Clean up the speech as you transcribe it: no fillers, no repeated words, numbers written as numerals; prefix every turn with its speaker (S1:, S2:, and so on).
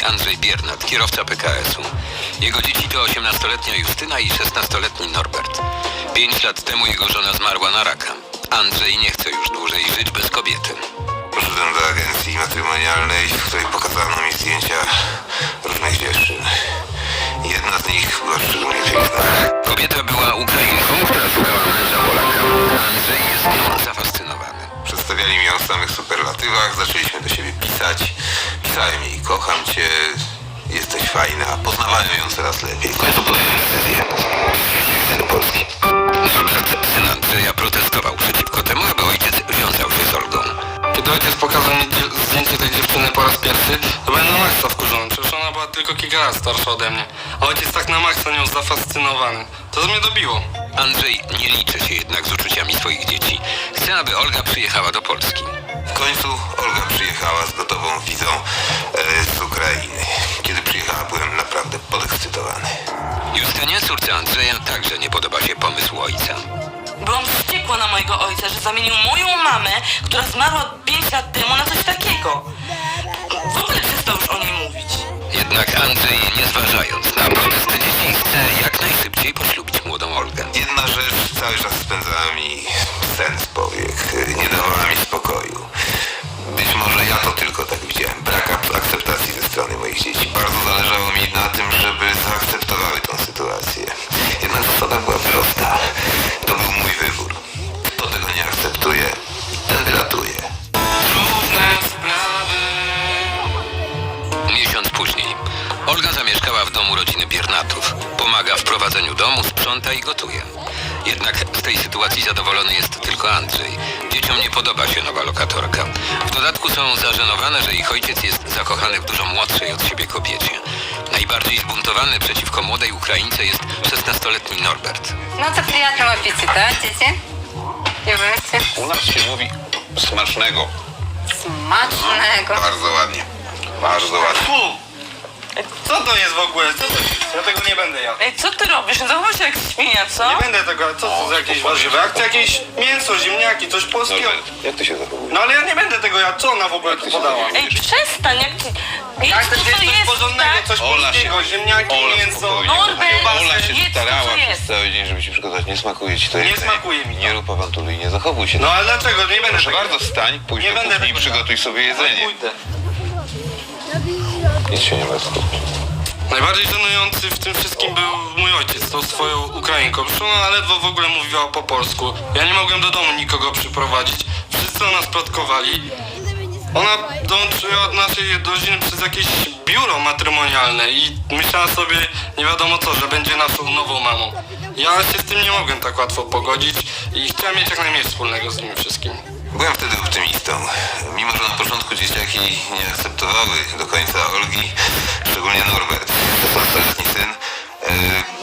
S1: Andrzej Biernat, kierowca PKS-u. Jego dzieci to 18-letnia Justyna i 16-letni Norbert. 5 lat temu jego żona zmarła na raka. Andrzej nie chce już dłużej żyć bez kobiety.
S2: Poszedłem do agencji matrymonialnej, w której pokazano mi zdjęcia różnych dziewczyn. Jedna z nich była szczególnie piękna.
S1: Kobieta była Ukrainką, która szukała męża Polaka. Andrzej jest nią zafascynowany.
S2: Przedstawiali mi ją w samych superlatywach, zaczęliśmy do siebie pisać. Pisałem jej: kocham cię, jesteś fajna. Poznawałem ją coraz lepiej. W końcu podjąłem decyzję. Do Polski.
S1: Norbert, syn Andrzeja, protestował przeciwko temu, aby ojciec wiązał się z Olgą.
S3: Kiedy ojciec pokazał mi zdjęcie tej dziewczyny po raz pierwszy, to byłem na maksa wkurzony. Przecież ona była tylko kilka lat starsza ode mnie. A ojciec tak na maksa nią zafascynowany. To mnie dobiło.
S1: Andrzej nie liczy się jednak z uczuciami swoich dzieci. Chce, aby Olga przyjechała do Polski.
S2: W końcu Olga przyjechała z gotową wizą z Ukrainy. Kiedy przyjechała, byłem naprawdę podekscytowany.
S1: Justynie, córce Andrzeja, także nie podoba się pomysł ojca.
S4: Byłam wściekła na mojego ojca, że zamienił moją mamę, która zmarła 5 lat temu, na coś takiego. W ogóle przestał już o niej mówić.
S1: Jednak Andrzej, nie zważając na protesty dzieci, chce jak najszybciej poślubić młodą Olgę.
S2: Jedna rzecz cały czas spędzała mi sen z powiek. Nie dawała mi spokoju. Być może ja to tylko tak widziałem. Brak akceptacji ze strony moich dzieci. Bardzo zależało mi na tym, żeby zaakceptowały tą sytuację. Jednak zasada była prosta. To był mój wybór. Kto tego nie akceptuje, ten wylatuje.
S3: Trudne sprawy.
S1: Miesiąc później Olga zamieszkała w domu rodziny Biernatów. Pomaga w prowadzeniu domu, sprząta i gotuje. Jednak z tej sytuacji zadowolony jest tylko Andrzej. Dzieciom nie podoba się nowa lokatorka. W dodatku są zażenowane, że ich ojciec jest zakochany w dużo młodszej od siebie kobiecie. Najbardziej zbuntowany przeciwko młodej Ukraińce jest 16-letni Norbert.
S5: Ну, це приятного аппетита, дети. И вы все
S2: U nas się mówi smacznego.
S5: смачного.
S2: Bardzo ładnie. Bardzo ładnie.
S3: Fu! Co to jest w ogóle? Co to jest? Ja tego nie będę jadł.
S4: Ej, co ty robisz? Zachowuj się jak świnia, co?
S3: Nie będę tego, co to za jakieś warzywa? Jak to jakieś mięso, ziemniaki, coś polskiego.
S2: Jak ty się zachowujesz?
S3: No ale ja nie będę tego jadł. Co ona w ogóle tu podała?
S4: Ej, przestań, jak ci...
S3: Jak
S4: Jest
S3: to
S4: to,
S3: jest
S4: co
S3: coś
S4: jest,
S3: porządnego,
S4: tak?
S3: coś
S2: Ola
S3: polskiego, ziemniaki, mięso.
S2: spokojnie.
S4: Norbert,
S2: Ola się
S4: jedz to,
S2: starała
S4: co
S2: przez
S4: jest.
S2: cały dzień, żeby ci przygotować. Nie smakuje ci to
S3: Nie
S2: jedzenie.
S3: smakuje mi to.
S2: Nie rób awantury i nie zachowuj się.
S3: No ale dlaczego? Nie będę
S2: Proszę
S3: tego
S2: bardzo, wstań, pójdź
S3: Nie
S2: do
S3: będę
S2: kuchni i
S3: tego
S2: przygotuj sobie
S3: jadł.
S2: jedzenie.
S3: Pójdę.
S2: Nic się nie ma skupić.
S3: Najbardziej żenujący w tym wszystkim był mój ojciec z tą swoją Ukrainką. Przecież ona ledwo w ogóle mówiła po polsku. Ja nie mogłem do domu nikogo przyprowadzić. Wszyscy o nas plotkowali. Ona dołączyła do naszej rodziny przez jakieś biuro matrymonialne i myślała sobie nie wiadomo co, że będzie naszą nową mamą. Ja się z tym nie mogłem tak łatwo pogodzić i chciałem mieć jak najmniej wspólnego z nimi wszystkim.
S2: Byłem wtedy optymistą. Mimo że na początku dzieciaki nie akceptowały do końca Olgi, szczególnie Norbert, 16-letni syn,